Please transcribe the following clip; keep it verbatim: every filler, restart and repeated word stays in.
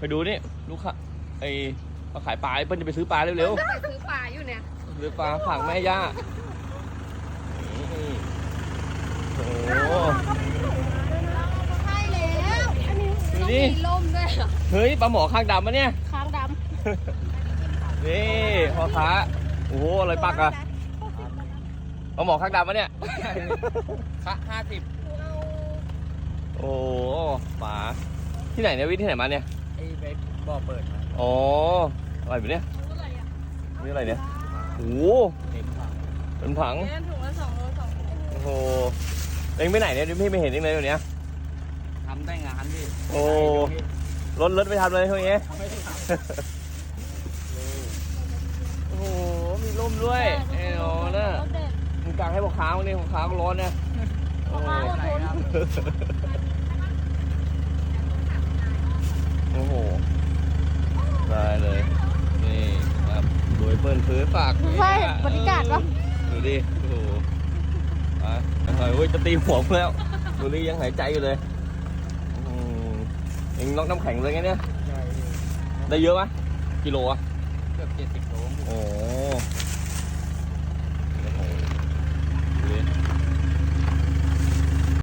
ไปดูนี่ลูกค้าไอ้มาขายปลาเปิ้ลจะไปซื้อปลาเร็วไปซื้อปลาอยู่เนี่ยๆซื้อปลาฝากแม่ย่านี่โอ้โหใช่แล้วอันนี้ดูต้องดิมีล่มด้วยเหรอเฮ้ยปลาหมอข้างดำมะเนี่ยค้างดนี่พ่อค้าโอ้โหอะไรปักอะปลาหมอข้างดำมะเนี่ยค่ะห้าสิบโอ้ปลาที่ไหนเนี่ยวิทย์ที่ไหนมาเนี่ยไอ้เบคบ่อเปิดมาอ๋ออะไรแบบเนี้ยนี่อะไรเนี่ยโอ้โหเต็มถังเป็นผังำเนี่ยถุงละสองโลสองโลโอ้โหเอ็งไปไหนเนี่ยพี่ไม่เห็นเอ็งเลยวันเนี้ยทำได้งานพี่โอ้รถรถไปทำเลยช่วงนี้ไม่ได้ทโอ้โหมีร่มด้วยไอ้โน่น่ะมึงกางให้พ่อค้าวันนี้พ่อค้าก็ร้อนเนี่ยโอ้โหำไหนครับโอ้โหได้เลยนี่ครับดูไอ้เปิ้ลซื้อฝากใช่บริการปะดูดิโอ้โหอ่ะเฮ้ยจะตีหัวกูแล้วดูดิยังหายใจอยู่เลยอืมเอ็งน็อกน้ำแข็งเลยไงเนี่ยใช่พี่ได้เยอะไหมกิโลอะเกือบเจ็ดสิบโลโอ้โห